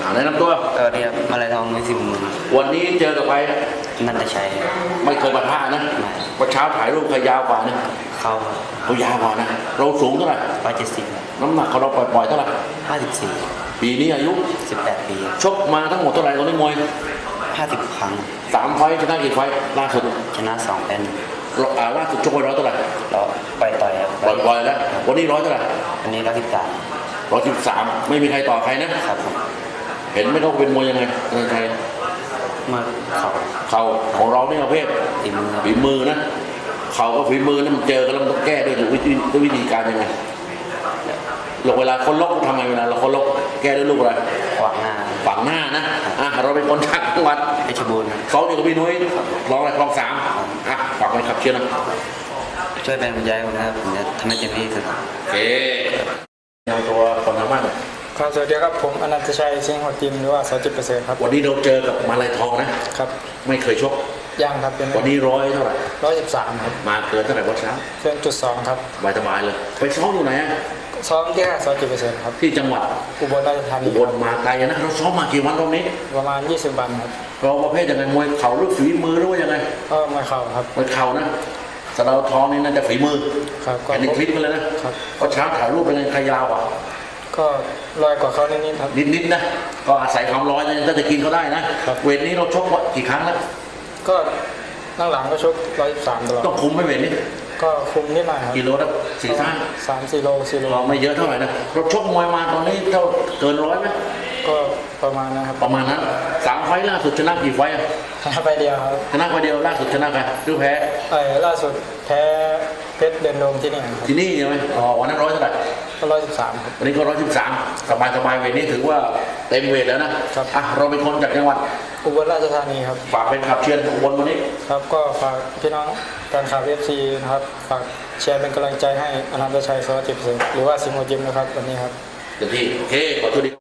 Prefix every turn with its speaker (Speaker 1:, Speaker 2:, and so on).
Speaker 1: แนะนำตัว
Speaker 2: เรียกอะไรทองในสิบหมื่น
Speaker 1: วันนี้เจอกับใคร
Speaker 2: นันทชัย
Speaker 1: ไม่เคยมาท่านะวันเช้าถ่ายรูปใครยาวกว่านะเขายาวกว่านะเราสูงเท่าไหร่
Speaker 2: 170
Speaker 1: น้ำหนักของเราปล่อยๆเท่าไหร่
Speaker 2: 54
Speaker 1: ปีนี้อายุ
Speaker 2: 18 ปี
Speaker 1: ชกมาทั้งหมดเท่าไหร่ตอนนี้มวย
Speaker 2: 50 ครั้ง
Speaker 1: 3 ไฟต์ชนะกี่ไฟต์ล่าสุด
Speaker 2: ชนะ2เป็น
Speaker 1: ล่าสุดชกไป100เท่าไหร่
Speaker 2: แล้วต่อย
Speaker 1: ปล่อยแล้ววันนี้100เท่าไหร่
Speaker 2: วันนี้
Speaker 1: 113ไม่มีใครต่อใครนะครับเห็นไหมเขาเป็นมวยยังไงใคร
Speaker 2: มาเ
Speaker 1: ข่าของเราเนี่ยประเภทฝีมือนะเข่าก็ฝีมือนะมันเจอกันแล้วมันต้องแก้ด้วยวิธีการยังไงเวลาคนล็อกทำไงเวลาเราคนล็อกแก้ด้วยลูกอะไร
Speaker 2: ฝั
Speaker 1: งหน้านะเราเป็นคนจากจังหวัด
Speaker 2: เพชรบูรณ์
Speaker 1: เขาอยู่กับพี่นุ้ยร้องอะไรคลอง3ฝากไว้ครับเชียร์นะ
Speaker 2: ช่วยเป็นกำลังใจผมนะครับผมจะทำให้เต็มที่สุด
Speaker 1: โอเคเอาตัวคนทำบ้าน
Speaker 3: ครับสวัสดีครับผมอนันตชัยเชียงหัวจิมหรือว่าส.10%ครับ
Speaker 1: วันนี้เราเจอกับมาลัยทองนะครับไม่เคยชก
Speaker 3: ยังครับ
Speaker 1: วันนี้100เท่าไหร่
Speaker 3: 113ครับ
Speaker 1: มาเกินเท่าไหร่วัดเช้า
Speaker 3: เกิน.2ครับ
Speaker 1: สบายเลยไปซ้อมอยู่ไหน
Speaker 3: ซ้อมที่ส.10%ครับ
Speaker 1: ที่จังหวัด
Speaker 3: อุบลราชธานี
Speaker 1: อุบลมาไกลนะเราซ้อมมากี่วันรอบนี้
Speaker 3: ประมาณ20 วันครับ
Speaker 1: เราประเภทยังไงมวยเข่าหรือฝีมือหรือว่ายังไง
Speaker 3: ก็มวยเข่าครับ
Speaker 1: มวยเข่านะสดาทองนี่น่าจะฝีมือ
Speaker 3: ครับ
Speaker 1: ก็ในคลิปกันเลยนะครับก็เช้าถ่ายรูปเป็นไงใครยาวอ่ะ
Speaker 3: ก็ลอยกว่าเขานิดๆครับ
Speaker 1: นิดนะก็อาศัยความร้อนก็จะกินเขาได้นะเวทนี้เราชกกี่ครั้งแล้ว
Speaker 3: ก็หลังก็ชก113ตลอด
Speaker 1: ต้องคุมไม่เวทนี้
Speaker 3: ก็คุมนิดหน่อยครับ
Speaker 1: กิโลละ
Speaker 3: 3-4 โล
Speaker 1: ไม่เยอะเท่าไหร่นะเราชกมวยมาตอนนี้เท่าเกิน100ไหม
Speaker 3: ก็ประมาณนะครับ
Speaker 1: ประมาณนั้น3 ไฟล์ล่าสุดชนะกี่ไฟล์
Speaker 3: ชนะไปเดียวครับ
Speaker 1: ชนะไปเดียวล่าสุดชนะใครหรือแพ้
Speaker 3: ล่าสุดแพ้เพชรเดนโดมที่นี่ครับ
Speaker 1: ที่นี่ใช่ไหมวันนั้น100เท่าไหร่
Speaker 3: ก็113ครับ
Speaker 1: วันนี้ก็113สบายเวทนี้ถือว่าเต็มเวทแล้วนะครับเราเป็นคนจากจังหวัด
Speaker 3: อุบลราชธานีครับ
Speaker 1: ฝากเป็นขับเชียร์อุบลวันนี้
Speaker 3: ครับก็ฝากพี่น้องแฟนคลับ FC นะครับฝากเชียร์เป็นกำลังใจให้อนันตชัยส.10%หรือว่าสิงห์หัวจิมนะครับวันนี้ครับ
Speaker 1: เต็มที่โอเคขอโทษดี